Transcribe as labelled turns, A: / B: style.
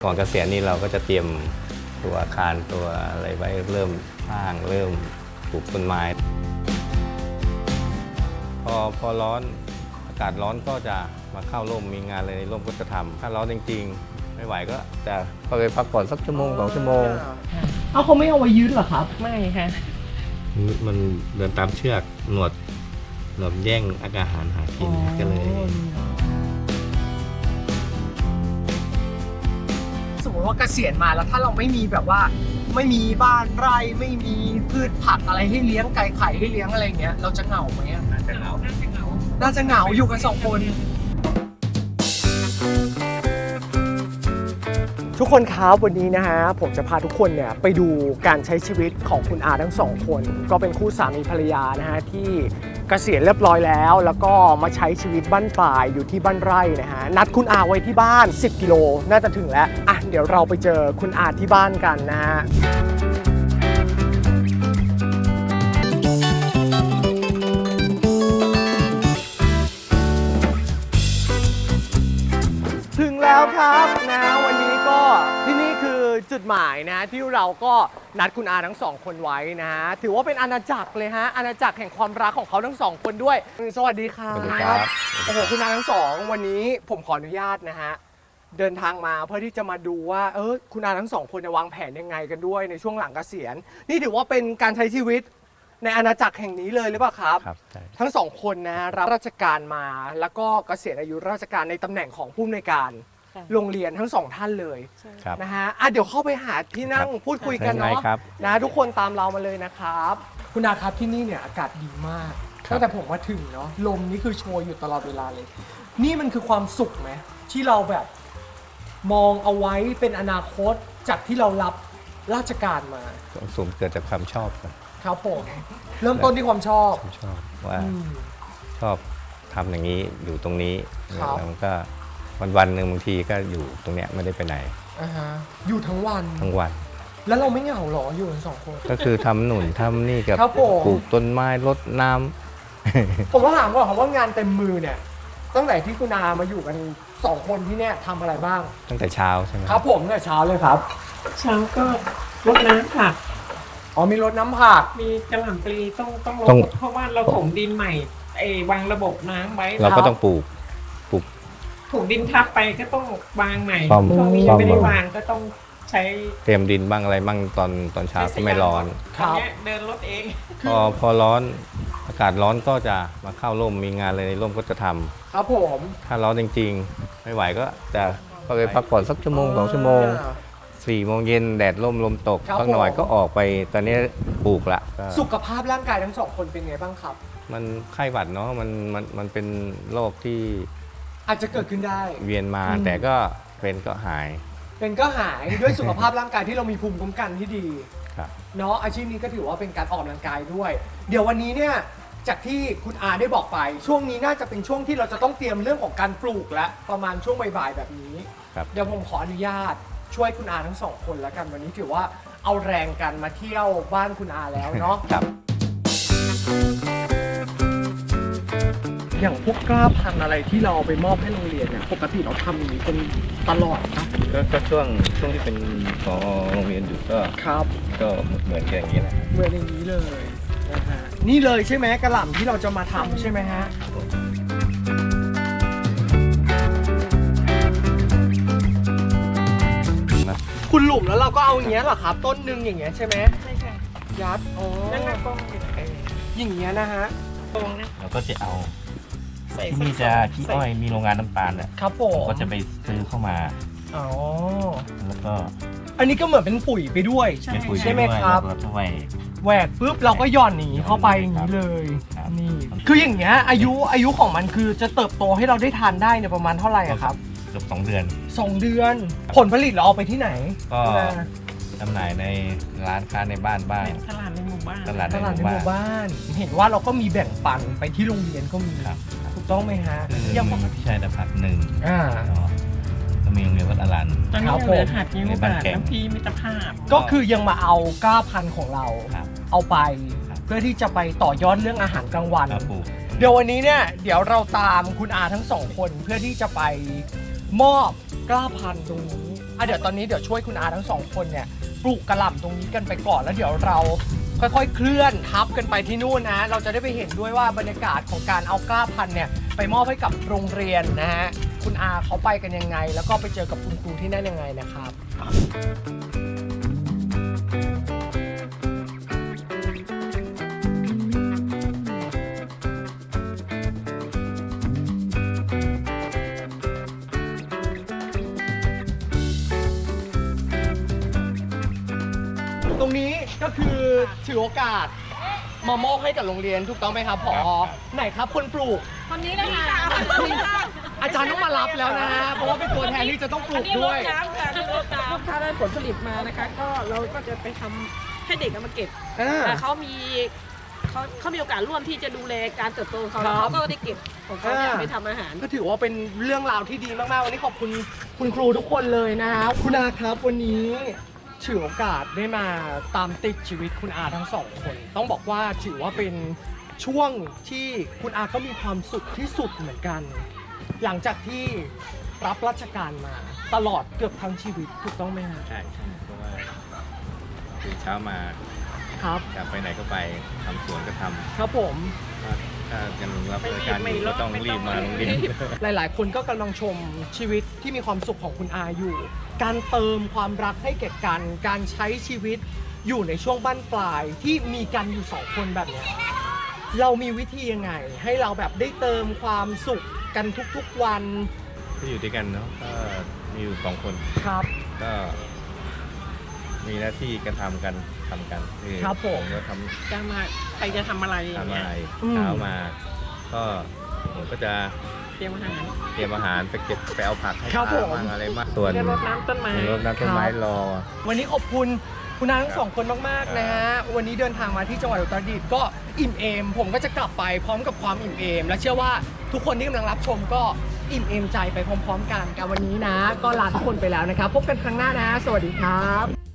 A: ก่อนเกษียณนี่เราก็จะเตรียมตัวอาคารตัวอะไรไว้เริ่มสร้างเริ่มปลูกต้นไม้พอร้อนอากาศร้อนก็จะมาเข้าร่มมีงานอะไรในร่มก็จะทำถ้าร้อนจริงๆไม่ไหวก็จะเข้าไปพักผ่อนสักชั่วโมง2 ชั่วโมง
B: เอาเขาไม่เอาไว้ยืดเหรอครับไม่ค่ะ
A: มันเดินตามเชือกหนวดแย่งอาหารหากินก็เลย
B: สมมติว่าเกษียณมาแล้วถ้าเราไม่มีแบบว่าไม่มีบ้านไร่ไม่มีพืชผักอะไรให้เลี้ยงไก่ไข่ให้เลี้ยงอะไรเงี้ยเราจะเหงาไหมอะน่าจะเหงาอยู่กัน2 คนทุกคนครับวันนี้นะฮะผมจะพาทุกคนเนี่ยไปดูการใช้ชีวิตของคุณอาทั้ง2 คนก็เป็นคู่สามีภรรยานะฮะที่เกษียณเรียบร้อยแล้วก็มาใช้ชีวิตบ้านปลายอยู่ที่บ้านไร่นะฮะนัดคุณอาไว้ที่บ้าน10 กิโลน่าจะถึงแล้วอ่ะเดี๋ยวเราไปเจอคุณอาที่บ้านกันนะฮะถึงแล้วครับนะวันนี้ก็ที่นี่คือจุดหมายนะที่เราก็นัดคุณอาทั้ง2 คนไว้นะถือว่าเป็นอาณาจักรเลยฮะอาณาจักรแห่งความรักของเขาทั้ง2 คนด้วยสวัสดีครับ
A: สวัสดีครับ
B: โอ้โหคุณอาทั้ง2วันนี้ผมขออนุญาตนะฮะเดินทางมาเพื่อที่จะมาดูว่าคุณอาทั้ง2 คนจะวางแผนยังไงกันด้วยในช่วงหลังเกษียณนี่ถือว่าเป็นการใช้ชีวิตในอาณาจักรแห่งนี้เลยหรือเปล่าครับ
A: ครับใช่
B: ทั้ง2 คนนะรับราชการมาแล้วก็เกษียณอายุราชการในตำแหน่งของผู้อำนวยการโรงเรียนทั้ง2 ท่านเลย
A: ครับ
B: นะฮะเดี๋ยวเข้าไปหาที่นั่งพูดคุยกัน
A: ได้
B: เนาะ
A: ครับ
B: นะทุกคนตามเรามาเลยนะครับคุณอาครับที่นี่เนี่ยอากาศดีมาก
A: ครับ
B: ตั้งแต่ผมมาถึงเนาะลมนี่คือโชยอยู่ตลอดเวลาเลย นี่มันคือความสุขไหมที่เราแบบมองเอาไว้เป็นอนาคตจากที่เรารับราชการมา
A: สูงเกิดจากความชอบครับ
B: ครับผมเริ่มต้นที่ความชอบ
A: ผมชอบว่า
B: อืม
A: ชอบทำอย่างนี้อยู่ตรงนี้
B: ครับ
A: แล้วมันก็วันหนึ่งบางทีก็อยู่ตรงเนี้ยไม่ได้ไปไหน
B: อ่าฮะอยู่ทั้งวัน
A: ทั้งวัน
B: แล้วเราไม่เหงาหรออยู่กัน2 คน
A: ก็คือทำหนุนทำนี่กับ
B: ครับผม
A: ปลูกต้นไม้รดน้ำ
B: ผมก็ถามก่อนครับว่างานเต็มมือเนี่ยตั้งแต่ที่คุณอามาอยู่กัน2 คนที่เนี่ยทำอะไรบ้าง
A: ตั้งแต่เช้าใช่ไหม
B: ครับผมเนี่ยเช้าเลยครับ
C: เช้าก็รดน้ำผัก
B: อ๋อมีรดน้ำผัก
C: มีกระหล่ำปลีต้องรด
A: ต้อง
C: เพราะว่าเราถมดินใหม่วางระบบน้ำไว้
A: เราก็ต้องปลูก
C: ถูกดินทับไปก็ต้องวางใหม่
A: ซ่อม
C: ช่วงนี้ยังไม่ได้วางก็ต้องใช้
A: เตรียมดินบ้างอะไรบ้างตอนเช้าก็ไม่ร้อน
B: ครับ
C: ตอนเนี้ยเดินรถเอง
A: พอร้อนอากาศร้อนก็จะมาเข้าร่มมีงานอะไรในร่มก็จะทำ
B: ครับผม
A: ถ้าร้อนจริงๆ ไม่ไหวก็จะเข้าไปพักผ่อนสักชั่วโมง2 ชั่วโมง 4 โมงเย็นแดดร่มลมตก
B: ครับ
A: สักหน่อย
B: ผม
A: ก็ออกไปตอนนี้ปลูกละก็
B: สุขภาพร่างกายทั้ง2 คนเป็นไงบ้างครับ
A: มันไข้หวัดเนาะมันเป็นโรคที่
B: อาจจะเกิดขึ้นได้
A: เวียนมา
B: อืม
A: แต่ก็เป็นก็หาย
B: เป็นก็หายด้วยสุขภาพร่างกายที่เรามีภูมิคุ้มกันที่ดี
A: ครับ
B: เนาะอาชีพนี้ก็ถือว่าเป็นการออกกำลังกายด้วย เดี๋ยววันนี้เนี่ยจากที่คุณอาได้บอกไป ช่วงนี้น่าจะเป็นช่วงที่เราจะต้องเตรียมเรื่องของการปลูกแล้วประมาณช่วงบ่ายๆแบบนี้
A: ครับ
B: เดี๋ยวผมขออนุญาตช่วยคุณอาทั้ง2 คนแล้วกันวันนี้ถือว่าเอาแรงกันมาเที่ยวบ้านคุณอาแล้วเนาะ
A: ครับ
B: อย่างพวกกล้าพันธุ์อะไรที่เราเอาไปมอบให้โรงเรียนเนี่ยปกติเราทำอย่างนี้เป็นตลอดนะ
A: ก็ช่วงที่เป็นพอโรงเรียนอยู่ก็
B: ครับ
A: ก็เหมือนกันอย่างนี้แหละ
B: เหมือนอย่างนี้เลยนะฮะนี่เลยใช่ไหมกระหล่ำที่เราจะมาทำใช่ไหมฮะคุณหลุมแล้วเราก็เอาอย่างเงี้ยเหรอครับ ต้นหนึงอย่างเงี้ยใช่ไหม
C: ใช่ค่ะ
B: ยัดอ๋อ
C: นั่นน่ะกล้องอยู่
B: อย่างเงี้ยนะฮะ
C: ตรงนะ
A: เราก็จะเอา
C: ใส่
A: ที่นี่จะขี้อ้อยมีโรงงานน้ำตาลเนี่ย
B: ครับผม
A: ก็จะไปซื้อเข้ามา
B: อ๋อ
A: แล้วก็
B: อันนี้ก็เหมือนเป็นปุ๋ยไปด้วย
A: เป็นปุ๋ย
B: ใช่ไหม
A: ด้วย
B: ครับ
A: แล้วก็ช่วย
B: แหวกปุ๊บเราก็หย่อนหนีเข้าไปอย่างนี้เลย
A: ครับ
B: นี่คืออย่างเงี้ยอายุของมันคือจะเติบโตให้เราได้ทานได้เนี่ยประมาณเท่าไหร่อะครับ
A: เกือบ2 เดือน
B: 2 เดือน ผลผลิตเราเอาไปที่ไหน
A: ก็จำหน่ายในร้านค้าในบ้านบ้าง
C: ตลาดในหมู่บ้าน
A: ตลาด
B: ตลาดในหมู่บ้าน เห็นว่าเราก็มีแบ่งปันไปที่โรงเรียนก็มี
A: ครับ
B: ถูกต้องไหมฮะ
A: คือ
B: ยัง
A: มีพิชัยนภัทร1
B: อ่า
A: ก็มีโรงเรียนวัดอรัน
C: ตอนนี้
B: ครับ
C: ยังเหลือ
B: ผม
C: หัดนิ้ว
A: ใน
C: บา
A: บ้าน
C: ท
A: แก่ง
C: น้ำพีมิตรภาพ
B: ก็คือยังมาเอากล้าพันธุ์ของเรา
A: ครับ
B: เอาไป
A: ครับ
B: เพื่อที่จะไปต่อยอดเรื่องอาหารกลางวัน
A: ครับปลูก
B: เดี๋ยววันนี้เนี่ยเดี๋ยวเราตามคุณอาทั้ง2 คนเพื่อที่จะไปมอบกล้าพันธุ์ตรงนี้เดี๋ยวตอนนี้เดี๋ยวช่วยคุณอาทั้งสองคนเนี่ยปลูกกระหล่ำตรงนี้กันไปก่อนแล้วเดี๋ยวเราค่อยๆเคลื่อนทับกันไปที่นู่นนะเราจะได้ไปเห็นด้วยว่าบรรยากาศของการเอากล้าพันธุ์เนี่ยไปมอบให้กับโรงเรียนนะฮะคุณอาเขาไปกันยังไง แล้วก็ไปเจอกับคุณครูที่นั่นยังไงนะครับ ตรงนี้ก็คือถือโอกาสมามอบให้กับโรงเรียนถูกต้องไหมครับผอไหนครับคนปลูก
C: คนนี้นะคะ
B: อาจารย์ต้องมารับแล้วนะเพราะว่าเป็นตัวแทนที่จะต้องปลูกด้วย
C: ลูกค้าได้ผลผลิตมานะคะ ก็เราก็จะไปทำให้เด็กเอามาเก็บ
B: อ่า
C: แต่เขามีโอกาสร่วมที่จะดูแลการเติบโตของเขา
B: ครับ
C: เขาก็ได้เก็บของเขาเนี่ย
B: อ่า
C: ไปทำอาหาร
B: ก็ถือว่าเป็นเรื่องราวที่ดีมากๆ วันนี้ขอบคุณคุณครูทุกคนเลยนะครับคุณอาครับวันนี้ถือโอกาสได้มาตามติดชีวิตคุณอาทั้งสองคน ต้องบอกว่าถือว่าเป็นช่วงที่คุณอาก็มีความสุขที่สุดเหมือนกัน หลังจากที่รับราชการมาตลอดเกือบทั้งชีวิตถูกต้องไหมครับ
A: ใช่เพราะว่าตื่นเช้ามา
B: ครับ
A: จะไปไหนก็ไปทำสวนก็ทำ
B: ครับผม
A: ถ้ายังรับราชการอยู่ก็ต้องรีบมาโรงเรียน
B: หลาย ๆ คนก็กำลังชมชีวิตที่มีความสุขของคุณอาอยู่ การเติมความรักให้แก่กัน การใช้ชีวิตอยู่ในช่วงบั้นปลายที่มีกันอยู่สองคนแบบเนี้ยเรามีวิธียังไง ให้เราแบบได้เติมความสุขกันทุก ๆ วัน
A: ที่อยู่ด้วยกันเนาะก็มีอยู่สองคน
B: ครับ
A: ก็มีหน้าที่กันทำกันคือ
B: ครับผม
A: ก็ท
C: จะมาใครจะทำอะไรอ
A: ำ
C: ย่าง
A: ทำ
C: เงี้
A: อะ
C: ย
A: ไร
B: อืม
A: เช้ามาก็ผมก็จะ
C: เตรียมอาหาร
A: เตรียมอาหารไปเก็บไปเอาผักให้
B: ครับ
A: ปลา
B: ผม
A: บ้างอะไรมากส่วน
C: จะรดน้ำต้นไม้
A: รดน้ำต้นไม้รอ
B: วันนี้ขอบคุณคุณอาทั้งสองคนมากๆนะฮะ วันนี้เดินทางมาที่จังหวัดอุตรดิตถ์ก็อิ่มเอม ผมก็จะกลับไปพร้อมกับความอิ่มเอม และเชื่อว่าทุกคนที่กำลังรับชมก็อิ่มเอมใจไปพร้อมๆกันกับวันนี้นะ ก็ลาทุกคนไปแล้วนะครับ พบกันครั้งหน้านะ สวัสดีครับ